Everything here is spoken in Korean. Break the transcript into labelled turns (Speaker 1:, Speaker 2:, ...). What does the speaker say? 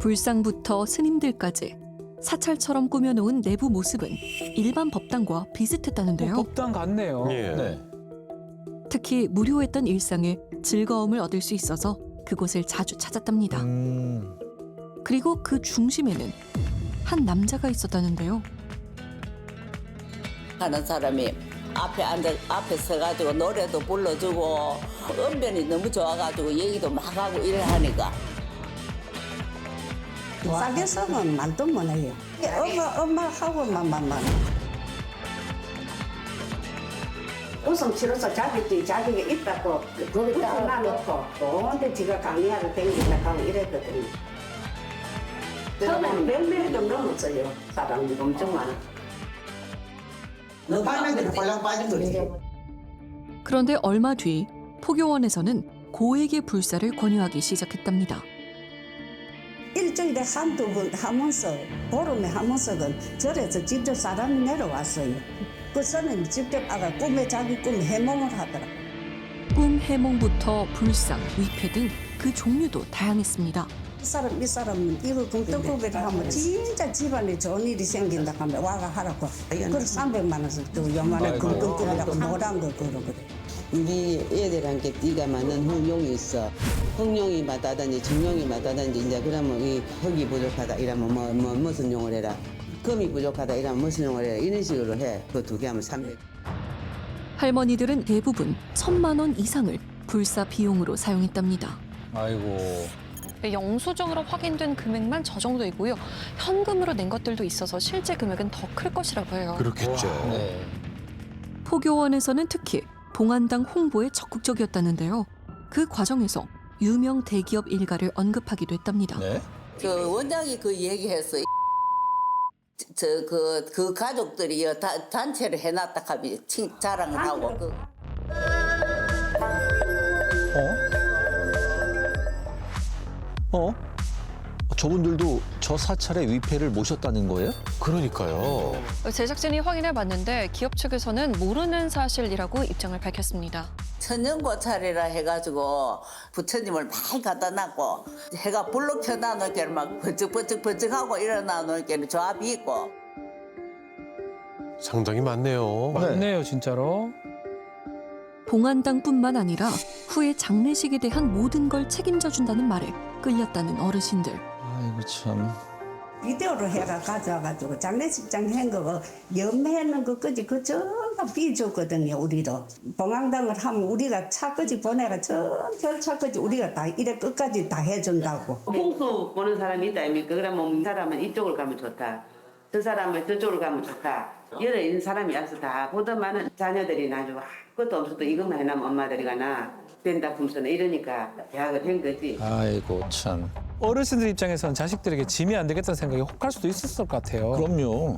Speaker 1: 불상부터 스님들까지 사찰처럼 꾸며놓은 내부 모습은 일반 법당과 비슷했다는데요.
Speaker 2: 법당 같네요.
Speaker 3: 예.
Speaker 2: 네.
Speaker 1: 특히 무료했던 일상에 즐거움을 얻을 수 있어서 그곳을 자주 찾았답니다. 그리고 그 중심에는 한 남자가 있었다는데요.
Speaker 4: 하는 사람이 앞에 서가지고 노래도 불러주고 언변이 너무 좋아가지고 얘기도 막 하고 이래 하니까
Speaker 5: 싸게 쓰면 말도 못해요. 엄마하고만. 웃음 치러서 자기가 있다고 거기다 놔놓고 언제 지가 강의하러 댕긴다 하고 이랬거든요. 처음에는 100명도 넘었어요. 사람이 엄청 많아.
Speaker 6: 밤에도 홀랑 빠진 거지.
Speaker 1: 그런데 얼마 뒤 포교원에서는 고액의 불사를 권유하기 시작했답니다.
Speaker 5: 일주일에 한두 번 하면서 보름에 하면서는 절에서 직접 사람이 내려왔어요. 그 선생님 직접 아가 자기 꿈에 해몽을 하더라.
Speaker 1: 꿈 해몽부터 불상, 위패 등 그 종류도 다양했습니다.
Speaker 5: 이 사람은 이거 금떡고기를 하면 진짜 집안에 좋은 일이 생긴다 하면 와가 하라고. 그걸 300만 원씩 또 요만한 금떡고기라고 노란 거 그러거든.
Speaker 7: 우리 애들한테 띠가 많은 흥룡이 있어. 흥룡이 맞다든지 정룡이 맞다든지 이제 그러면 이 흙이 부족하다 이러면 무슨 용을 해라. 금이 부족하다 이러면 무슨 용을 해라. 이런 식으로 해. 그 두 개 하면 300.
Speaker 1: 할머니들은 대부분 1,000만 원 이상을 불사 비용으로 사용했답니다.
Speaker 2: 아이고.
Speaker 8: 영수증으로 확인된 금액만 저 정도이고요. 현금으로 낸 것들도 있어서 실제 금액은 더 클 것이라고 해요.
Speaker 3: 그렇겠죠.
Speaker 2: 네.
Speaker 1: 포교원에서는 특히 봉안당 홍보에 적극적이었다는데요. 그 과정에서 유명 대기업 일가를 언급하기도 했답니다.
Speaker 2: 네.
Speaker 4: 그 원장이 그 얘기했어. 그 가족들이 단체를 해놨다 하면 자랑을 하고 그.
Speaker 9: 저분들도 저 사찰의 위패를 모셨다는 거예요?
Speaker 3: 그러니까요.
Speaker 8: 제작진이 확인해봤는데 기업 측에서는 모르는 사실이라고 입장을 밝혔습니다.
Speaker 4: 천년고찰이라 해가지고 부처님을 많이 갖다 놨고 해가 불로 켜놔놓을게 막 번쩍번쩍하고 일어나놓을게 조합이 있고
Speaker 3: 상당히 많네요.
Speaker 2: 맞네요, 진짜로.
Speaker 1: 봉안당뿐만 아니라 후에 장례식에 대한 모든 걸 책임져 준다는 말에 끌렸다는 어르신들.
Speaker 9: 아이고 참.
Speaker 5: 비디오로 해가 가져와가지고 장례식장 한 거고 염해는 것까지 그 전부 비줬거든요. 우리도 봉황당을 하면 우리가 차까지 보내가 전 차까지 우리가 다 이래 끝까지 다 해준다고.
Speaker 7: 풍수 보는 사람이 있다 아닙니까? 그러면 이 사람은 이쪽으로 가면 좋다. 저 사람은 저쪽으로 가면 좋다. 여러 있는 사람이 와서 다 보더만은 자녀들이 나중에 아무것도 없어도 이것만 해놓으면 엄마들이 가나 된다 품서는 이러니까 계약을 한 거지.
Speaker 9: 아이고 참.
Speaker 2: 어르신들 입장에서는 자식들에게 짐이 안 되겠다는 생각이 혹할 수도 있었을 것 같아요.
Speaker 9: 그럼요.